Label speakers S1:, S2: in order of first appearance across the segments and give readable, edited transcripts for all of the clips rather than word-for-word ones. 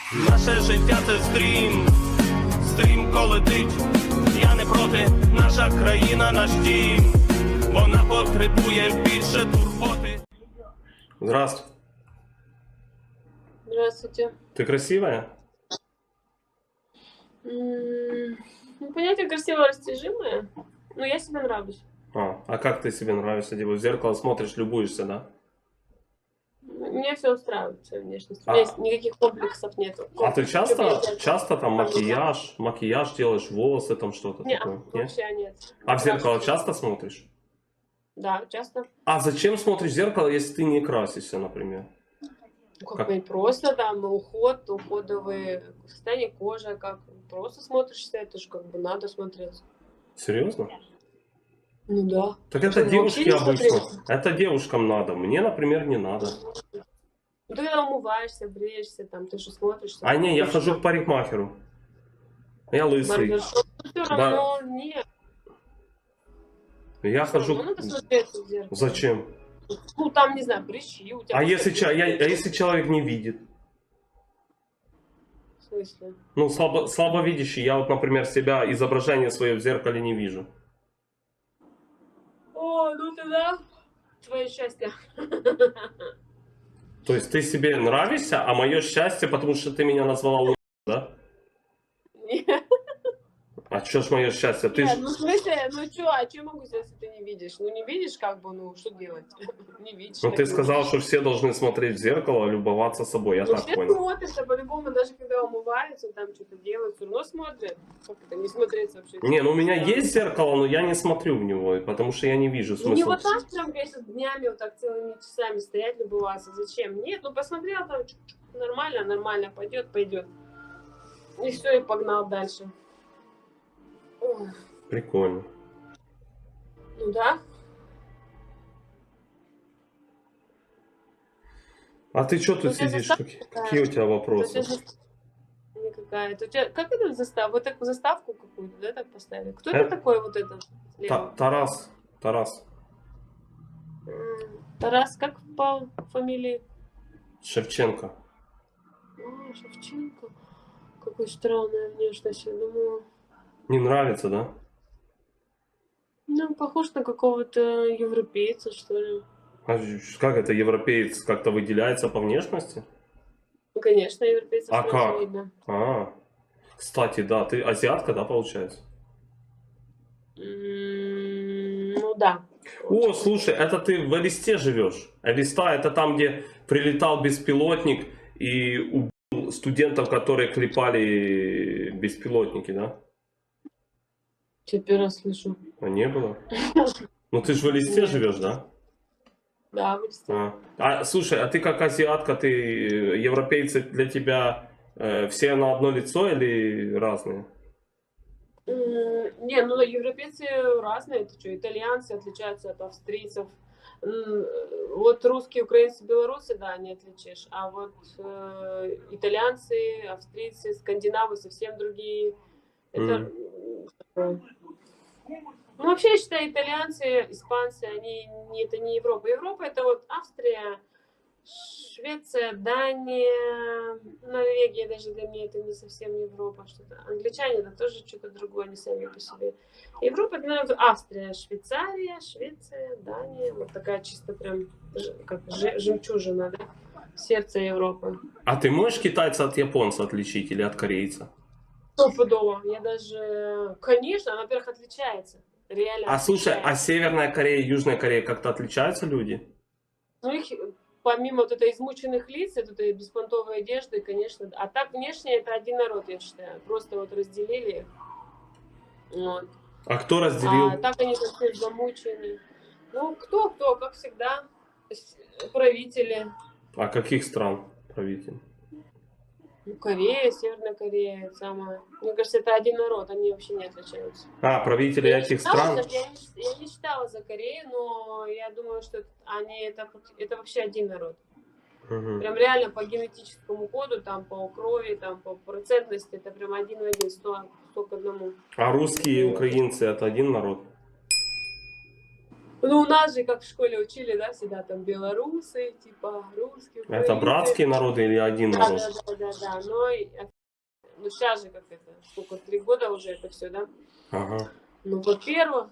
S1: Наше життя це стрім, стрімко летить. Я не проти, наша країна, наш дім. Вона потребує більше турботи. Здравствуй.
S2: Здравствуйте.
S1: Ты красивая?
S2: Ну, понятие красиво растяжимое, но я себе нравлюсь.
S1: А как ты себе нравишься? Типа в зеркало смотришь, любуешься, да?
S2: Меня все устраивает, своя внешность. У меня никаких комплексов нету.
S1: А ты часто там макияж делаешь, волосы там что-то такое? Нет?
S2: Вообще нет.
S1: А в зеркало часто смотришь?
S2: Да, часто.
S1: А зачем смотришь в зеркало, если ты не красишься, например?
S2: Как бы просто там уходовые состояние кожи, как просто смотришься, это же как бы надо смотреться.
S1: Серьезно?
S2: Ну да.
S1: Так это девушки обычно. Это девушкам надо. Мне, например, не надо.
S2: Ну ты когда умываешься, бреешься, там ты же смотришься.
S1: А не, я хожу к парикмахеру. Я лысый.
S2: Все равно нет.
S1: Я хожу.
S2: Надо смотреться в зеркало.
S1: Зачем?
S2: Ну там, не знаю, прыщи у тебя.
S1: А если человек не видит?
S2: В смысле?
S1: Ну, слабовидящий. Я вот, например, себя, изображение свое в зеркале не вижу.
S2: О, ну тогда твое счастье.
S1: То есть ты себе нравишься, а мое счастье, потому что ты меня назвала лучше, да?
S2: Нет,
S1: А что ж мое счастье? Ты ж...
S2: ну в смысле, ну что, а что могу сделать, если ты не видишь? Ну не видишь, как бы, ну что делать? Не видишь.
S1: Ну ты сказал, что все должны смотреть в зеркало, любоваться собой, я
S2: ну,
S1: так
S2: все
S1: понял.
S2: смотрят, по-любому, даже когда умываются, там что-то делают, все равно смотрят. Как это, не смотреться вообще?
S1: Не, ну у меня есть зеркало, но я не смотрю в него, потому что я не вижу
S2: Ну не
S1: смысла.
S2: вот так прям, конечно, днями вот так целыми часами стоять, любоваться. Зачем? Нет, ну посмотрел там, нормально, пойдет. И все, и погнал дальше. Ой.
S1: Прикольно.
S2: Ну да.
S1: А ты что тут
S2: Ну, у тебя
S1: сидишь?
S2: заставка
S1: Какие у тебя вопросы?
S2: Не какая-то. У тебя, как это заставка? Вот такую заставку какую-то, да, так поставили? Кто это такой вот этот? слева?
S1: Тарас.
S2: Тарас, как по фамилии?
S1: Шевченко.
S2: Шевченко. Какой странная внешность, я думаю.
S1: Не нравится, да?
S2: Ну, похож на какого-то европейца, что ли.
S1: А как это, европеец как-то выделяется по внешности?
S2: Ну, конечно, европейца
S1: А
S2: сразу
S1: как?
S2: видно.
S1: Кстати, да, ты азиатка, да, получается?
S2: Ну да.
S1: О, слушай, это ты в Элисте живешь. Элиста — это там, где прилетал беспилотник и убил студентов, которые клепали беспилотники, да?
S2: Теперь раз слышу.
S1: А не было? Ну ты же в Элисте живешь, да?
S2: Да, вырастил.
S1: Слушай, а ты как азиатка, европейцы для тебя все на одно лицо или разные?
S2: Не, ну европейцы разные, это что, итальянцы отличаются от австрийцев. Вот русские, украинцы, белорусы, да, не отличишь. А вот итальянцы, австрийцы, скандинавы совсем другие. Это... Ну, вообще, я считаю, итальянцы, испанцы, это не Европа. Европа — это вот Австрия, Швеция, Дания, Норвегия, даже для меня это не совсем Европа. Что-то. Англичане — это тоже что-то другое, они сами по себе. Европа — это, наверное, Австрия, Швеция, Дания. Вот такая чисто прям как жемчужина, да? Сердце Европы.
S1: А ты можешь китайца от японца отличить или от корейца?
S2: Стопудово. Я даже... Конечно, она, во-первых, отличается. Реально
S1: Слушай,
S2: отличается.
S1: а Северная Корея и Южная Корея как-то отличаются люди?
S2: Ну, их, помимо вот этой измученных лиц, этой беспонтовой одежды, конечно. А так, внешне, это один народ, я считаю. Просто вот разделили. Вот.
S1: А кто разделил?
S2: А так они все замучены. Ну, кто, как всегда. Правители.
S1: А каких стран правитель?
S2: Ну, Корея, Северная Корея, самое. Мне кажется, это один народ, они вообще не отличаются.
S1: Правители этих стран?
S2: Я не читала за Корею, но я думаю, что это вообще один народ.
S1: Угу.
S2: Прям реально по генетическому коду, там по крови, там по процентности, это прям один в один, 100 к 1. А русские и украинцы — это один народ?
S1: А русские и украинцы — это один народ?
S2: Ну, у нас же, как в школе учили, да, всегда там белорусы, типа русские,
S1: Это
S2: украинцы.
S1: братские народы или один
S2: Да,
S1: народ?
S2: да. Но ну, сейчас же как это, сколько, 3 года уже это все, да?
S1: Ага.
S2: Ну, во-первых,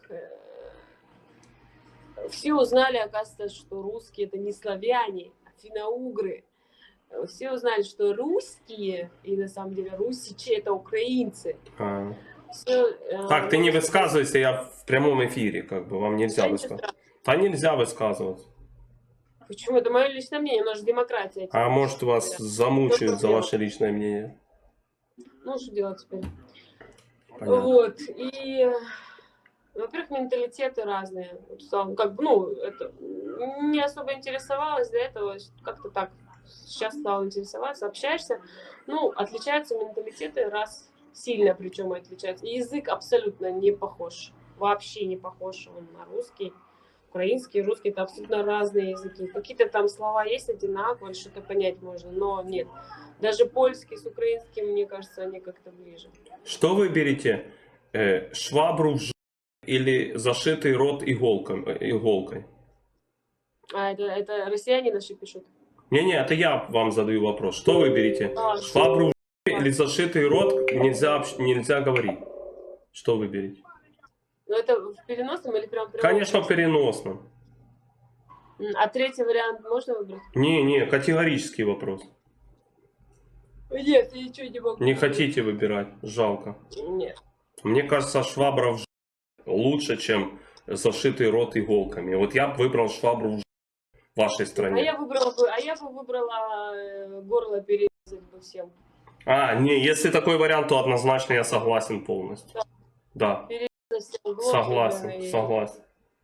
S2: все узнали, оказывается, что русские это не славяне, а финно-угры. Все узнали, что русские, и на самом деле русичи это украинцы.
S1: А.
S2: Всё,
S1: Так, ты не
S2: ну,
S1: высказывайся, я в прямом эфире, как бы, вам нельзя
S2: да, ничего
S1: высказывать.
S2: страшного.
S1: Да нельзя высказываться.
S2: Почему? Это мое личное мнение, у нас же демократия.
S1: А может вас
S2: говоря.
S1: замучают за
S2: Дело.
S1: ваше личное мнение?
S2: Ну, что делать теперь?
S1: Понятно.
S2: Вот, и, во-первых, менталитеты разные. Вот, как бы, ну, это, не особо интересовалась до этого, как-то так, сейчас стала интересоваться, общаешься. Ну, отличаются менталитеты раз, сильно причем отличаются. И язык абсолютно не похож, вообще не похож он на русский. Украинский, русский, это абсолютно разные языки. Какие-то там слова есть одинаковые, что-то понять можно, но нет. Даже польский с украинским, мне кажется, они как-то ближе.
S1: Что выберете? Швабру или зашитый рот иголкой?
S2: А это россияне наши пишут.
S1: Не-не, это я вам задаю вопрос. Что выберете?
S2: А,
S1: Швабру или зашитый рот нельзя говорить? Что выберете?
S2: ну это в переносном или прям?
S1: Конечно, в переносном.
S2: А третий вариант можно выбрать?
S1: Не, категорический вопрос.
S2: Нет, я ничего не могу.
S1: Не хотите выбирать? Жалко.
S2: Нет.
S1: Мне кажется, швабра лучше, чем зашитый рот иголками. Вот я бы выбрал швабру в вашей стране.
S2: А я бы выбрала горло перерезать бы всем.
S1: Не, если такой вариант, то однозначно я согласен полностью. Да,
S2: Перерезать всем горло.
S1: согласен.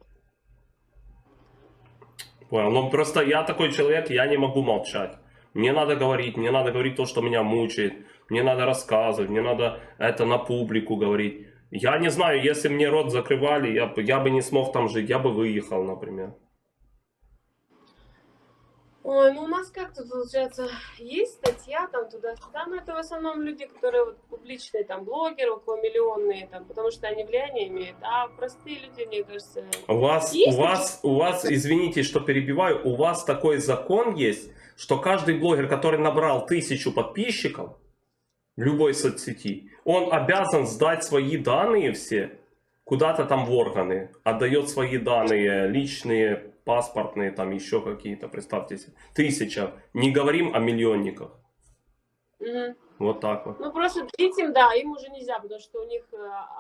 S1: Понял. Но просто я такой человек, я не могу молчать. Мне надо говорить то, что меня мучает. Мне надо рассказывать, мне надо это на публику говорить. Я не знаю, если мне рот закрывали, я бы не смог там жить, я бы выехал, например.
S2: Ой, ну у нас как-то получается, есть статья там туда-сюда, но это в основном люди, которые вот публичные, там, блогеры, околомиллионные, там, потому что они влияние имеют, а простые люди, мне кажется...
S1: У вас, извините, что перебиваю, у вас такой закон есть, что каждый блогер, который набрал 1000 подписчиков в любой соцсети, он обязан сдать свои данные все куда-то там в органы, отдает свои данные личные, паспортные, там еще какие-то, представьте себе, 1000, не говорим о миллионниках.
S2: Угу.
S1: Вот так вот.
S2: Ну просто этим, да, им уже нельзя, потому что у них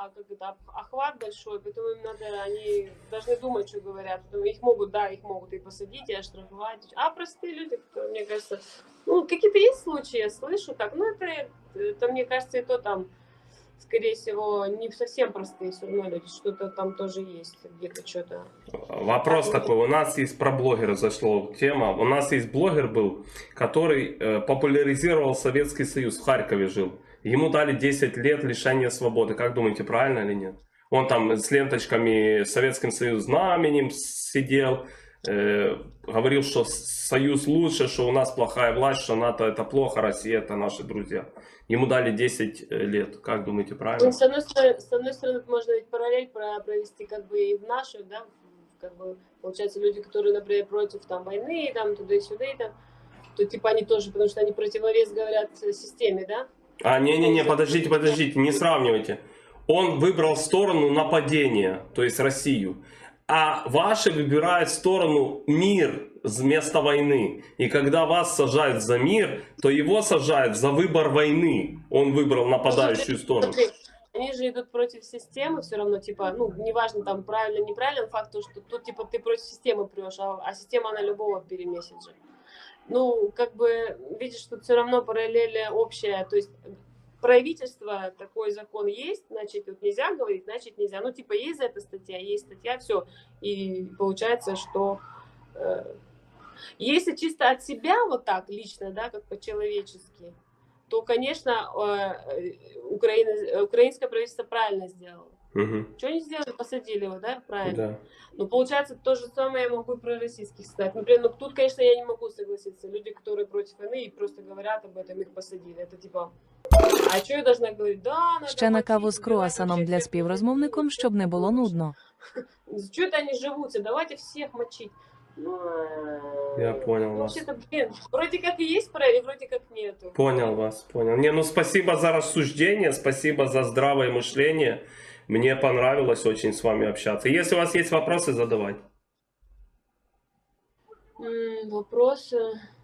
S2: охват большой, поэтому им надо, они должны думать, что говорят. Поэтому их могут и посадить, и оштрафовать. А простые люди, которые, мне кажется, ну какие-то есть случаи, я слышу так, ну это мне кажется, и то там, скорее всего, не совсем простые все равно люди, что-то там тоже есть, где-то что-то.
S1: Вопрос такой, у нас есть про блогера зашла тема, у нас есть блогер был, который популяризировал Советский Союз, в Харькове жил. Ему дали 10 лет лишения свободы, как думаете, правильно или нет? Он там с ленточками Советским Союзом знаменем сидел, говорил, что Союз лучше, что у нас плохая власть, что НАТО это плохо, Россия это наши друзья. Ему дали 10 лет. Как думаете, правильно?
S2: Ну, с одной стороны, можно ведь параллель провести как бы и в нашу, да, как бы, получается, люди, которые, например, против там войны, там, туда и сюда, и там, то типа они тоже, потому что они противовес говорят системе, да?
S1: Не, подождите, не сравнивайте. Он выбрал сторону нападения, то есть Россию. А ваши выбирают сторону мир вместо войны. И когда вас сажают за мир, то его сажают за выбор войны. Он выбрал нападающую сторону.
S2: Они же идут против системы все равно, типа, ну, неважно там правильно, неправильно, факт то, что тут, типа, ты против системы прешь, а система она любого перемесит же. Ну, как бы, видишь, тут все равно параллель общая, то есть правительство, такой закон есть, значит, вот нельзя говорить, значит нельзя. Ну, типа, есть за это статья, есть статья, все. И получается, что если чисто от себя вот так лично, да, как по-человечески, то, конечно, украинское правительство правильно сделало.
S1: Угу.
S2: Что они сделали? Посадили его, да, правильно?
S1: Да.
S2: Ну, получается, то же самое я могу и про российских сказать. Например, ну, тут, конечно, я не могу согласиться. Люди, которые против войны и просто говорят об этом, их посадили. Это типа... А что я должна говорить? Да, надо
S3: Ще на каву
S2: мочить,
S3: з круасаном
S2: убивать
S3: для
S2: вообще всех
S3: співрозмовником, щоб не було нудно.
S2: Что это они живутся? Давайте всех мочить. Ну,
S1: Я понял
S2: ну,
S1: вас.
S2: вообще-то, блин, вроде как и есть проект, вроде как нету.
S1: Понял вас, понял. Не, ну спасибо за рассуждение, спасибо за здравое мышление. Мне понравилось очень с вами общаться. Если у вас есть вопросы, задавайте.
S2: Вопросы.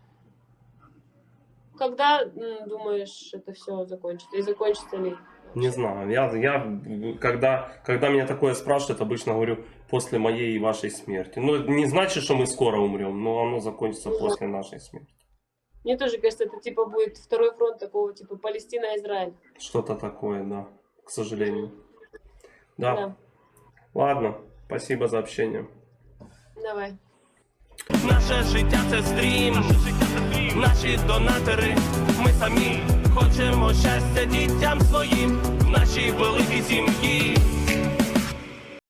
S2: Когда, думаешь, это все закончится? И закончится ли?
S1: Не знаю, когда меня такое спрашивают, обычно говорю после моей и вашей смерти. Ну, не значит, что мы скоро умрем, но оно закончится после нашей смерти.
S2: Мне тоже кажется, это типа будет второй фронт такого, типа Палестина-Израиль.
S1: Что-то такое, да, к сожалению. Да.
S2: Да.
S1: Ладно, спасибо за общение.
S2: Давай.
S1: Наше життя це стрім, наші донатори, ми самі хочемо щастя дітям своїм, в нашій великій сім'ї.